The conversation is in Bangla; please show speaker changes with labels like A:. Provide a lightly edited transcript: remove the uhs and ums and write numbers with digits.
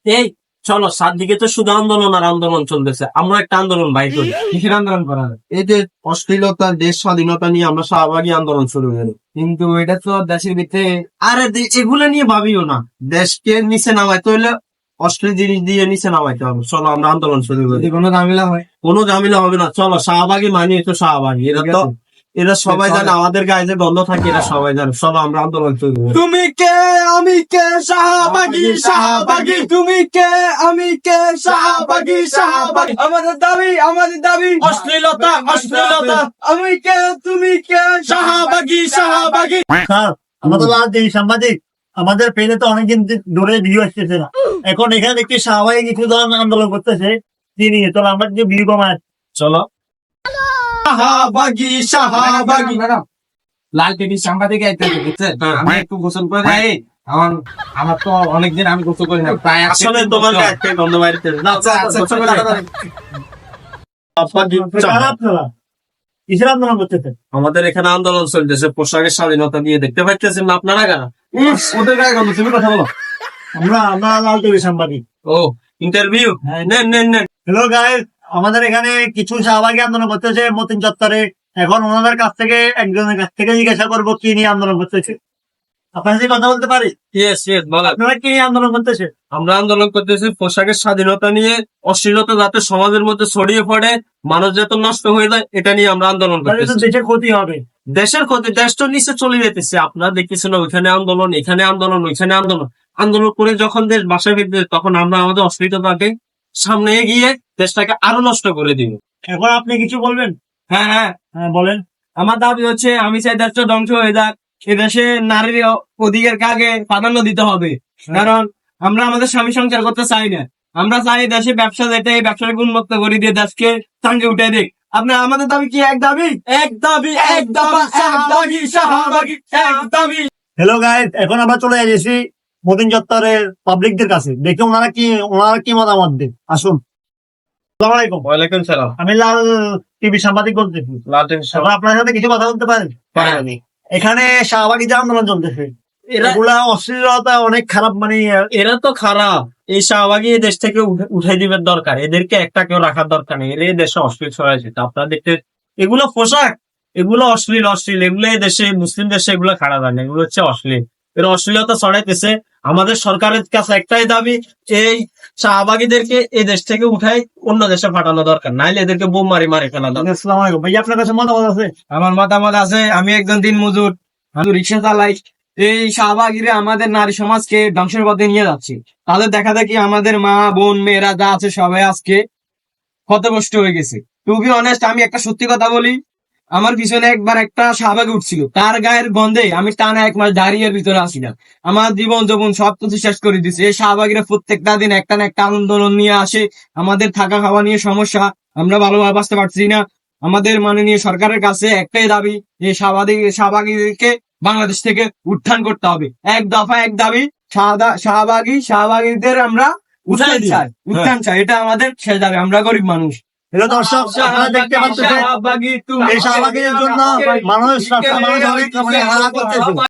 A: এই চলো সাতদিকে তো শুধু আন্দোলন আর আন্দোলন চলতেছে, আমরা একটা আন্দোলন বাইর করি।
B: কিসের আন্দোলন করা হবে?
A: এই যে অশ্লীলতা, দেশ স্বাধীনতা নিয়ে আমরা শাহবাগী আন্দোলন শুরু করি।
B: কিন্তু এটা তো দেশের ভিতরে
A: আরে এগুলো নিয়ে ভাবিও না, দেশকে নিচে নামাইতে হইলে অশ্লীল জিনিস দিয়ে নিচে নামাইতে হবে। চলো আমরা আন্দোলন শুরু করি।
B: যদি কোনো ঝামেলা হয়।
A: কোনো ঝামেলা হবে না, চলো শাহবাগী মানি তো শাহবাগী, এরা সবাই জানে, আমাদের গায়ে যে গন্ধ থাকে এরা সবাই জানে। চলো আমরা আন্দোলন শুরু করি।
B: তুমি কে আমি কে শাহবাগী শাহবাগী, তুমি কে আমি কে শাহবাগী শাহবাগী, আমাদের দাবি
A: অশ্লীলতা অশ্লীলতা,
B: আমি কে তুমি কে
A: শাহবাগী শাহবাগী।
C: স্যার, আমরা তো লাল দিই সাংবাদিক, আমাদের পেজে তো অনেকদিন ধরে ভিডিও আসতেছে না। এখন এখানে দেখছি শাহবাগী কিছু জন আন্দোলন করতেছে, তিনি তো আমরা যে ভিডিও কমায়।
A: চলো শাহবাগী শাহবাগী।
B: লাল টিভি সাংবাদিক আইতেছে, বুঝছেন?
A: হ্যাঁ।
B: আমি একটু গোসল করে যাই। আমার তো অনেকদিন আমি গোসল করি না, প্রায়
A: আসলে তোমার গায়ে থেকে গন্ধ বাইরে।
C: কারা আপনারা? কিসের আন্দোলন করতেছে?
A: আমাদের এখানে আন্দোলন চলতেছে পোশাকের স্বাধীনতা নিয়ে, দেখতে পাচ্ছেন না আপনারা কারা?
B: ওদের গায়ে গন্ধ, তুমি কথা বলো।
C: আমরা লাল টিভি সাংবাদিক।
A: ও ইন্টারভিউ নেন নেন নেন।
C: হ্যালো গাইস, আমাদের এখানে কিছু শাহবাগী আন্দোলন করতেছে মতিন চত্বরে। এখন ওনাদের কাছ থেকে একজনের কাছ থেকে জিজ্ঞাসা করবো কি নিয়ে আন্দোলন করতেছে। আপনার সাথে কথা বলতে পারি?
A: ইয়েস ইয়েস বলেন।
C: আপনারা কি নিয়ে আন্দোলন করতেছে?
A: আমরা আন্দোলন করতেছি পোশাকের স্বাধীনতা নিয়ে, অশ্লীলতা যাতে সমাজের মধ্যে ছড়িয়ে পড়ে, মানুষ যাতে নষ্ট হয়ে যায়, এটা নিয়ে আমরা আন্দোলন
C: তাহলে তো
A: করতেছি।
C: দেশের ক্ষতি হবে।
A: দেশের ক্ষতি, দেশ তো নিচে চলে যেতেছে। আপনারা দেখতেছেন ওইখানে আন্দোলন, এখানে আন্দোলন, ওইখানে আন্দোলন। আন্দোলন করে যখন দেশ বাসায় ফিরতে, তখন আমরা আমাদের অশ্লীলতাকে সামনে এগিয়ে দেশটাকে আরো নষ্ট করে দিব।
C: এখন আপনি কিছু বলবেন?
B: হ্যাঁ হ্যাঁ,
C: হ্যাঁ বলেন।
B: আমার দাবি হচ্ছে আমি চাই দেশটা ধ্বংস হয়ে যাক। এদেশে নারীর অধিকারকে আগে প্রাধান্য দিতে হবে, কারণ আমরা আমাদের স্বামী সংসার করতে চাই না। আমরা চাই দেশে ব্যবসা যেটা, এই ব্যবসাটাকে উন্মুক্ত করে দিয়ে দেশকে চাঙ্গে উঠে দিক। আপনার আমাদের দাবি কি? এক দাবি
A: এক দাবি এক দাবি শাহবাগী শাহবাগী এক দাবি।
C: হ্যালো গাইস, এখন আমরা চলে এসেছি মতিন চত্বরের পাবলিকদের কাছে, দেখি ওনারা কি মতামত দেন। আসুন। আসসালামু আলাইকুম।
A: ওয়ালাইকুম সালাম।
C: আমি লাল টিভি সাংবাদিক বলতেছি। এখন আপনার সাথে কিছু কথা বলতে পারেন? এখানে শাহবাগী যে আন্দোলন চলতেছে, এগুলা অশ্লীলতা অনেক খারাপ, মানে
A: এরা তো খারাপ। এই শাহবাগী এই দেশ থেকে উঠাই দিবার দরকার, এদেরকে একটা কেউ রাখার দরকার নেই। এরা এই দেশে অশ্লীল ছড়াইছে। আপনারা দেখতে, এগুলো পোশাক, এগুলো অশ্লীল অশ্লীল, এগুলো এই দেশে মুসলিম দেশে এগুলো খারাপ হয় না, এগুলো হচ্ছে অশ্লীল। এরা অশ্লীলতা ছড়াইতেছে। আমাদের সরকারের কাছে একটাই দাবি, এই শাহবাগীদেরকে এই দেশ থেকে উঠাই অন্য দেশে পাঠানো দরকার, নাইলে এদেরকে বোম মারি ফেলা দরকার।
C: আসসালামু আলাইকুম ভাইয়া, আপনার কাছে মতামত আছে?
B: আমার মতামত আছে। আমি একজন দিন মজুর, আমি রিক্সা চালাই। এই শাহবাগীরা আমাদের নারী সমাজকে ধ্বংসের পথে নিয়ে যাচ্ছে। তাদের দেখা দেখি আমাদের মা বোন মেয়েরা যা আছে সবাই আজকে ক্ষতগ্রস্ত হয়ে গেছে। টু বি অনেস্ট, আমি একটা সত্যি কথা বলি, আমার পিছনে একবার একটা শাহবাগী উঠছিল, তার গায়ের গন্ধে আমি টানা 1 মাস ডায়রিয়ার ভিতরে আসিলাম। আমার জীবন যৌবন সবকিছু শেষ করে দিচ্ছে। এই শাহবাগীরা প্রত্যেকটা দিন একটা না একটা আন্দোলন নিয়ে আসে। আমাদের থাকা খাওয়া নিয়ে সমস্যা, আমরা ভালোভাবে বাঁচতে পারছি না। আমাদের মাননীয় সরকারের কাছে একটাই দাবি, যে শাহবাগীদেরকে বাংলাদেশ থেকে উত্থান করতে হবে। এক দফা এক দাবি, শাহবাগীদের আমরা উত্থান চাই। এটা আমাদের শেষ দাবি। আমরা গরিব মানুষ।
C: হ্যালো দর্শক, আপনারা দেখতে পাচ্ছেন এই শাহবাগীদের জন্য মানুষ অনেক হারা করতেছে।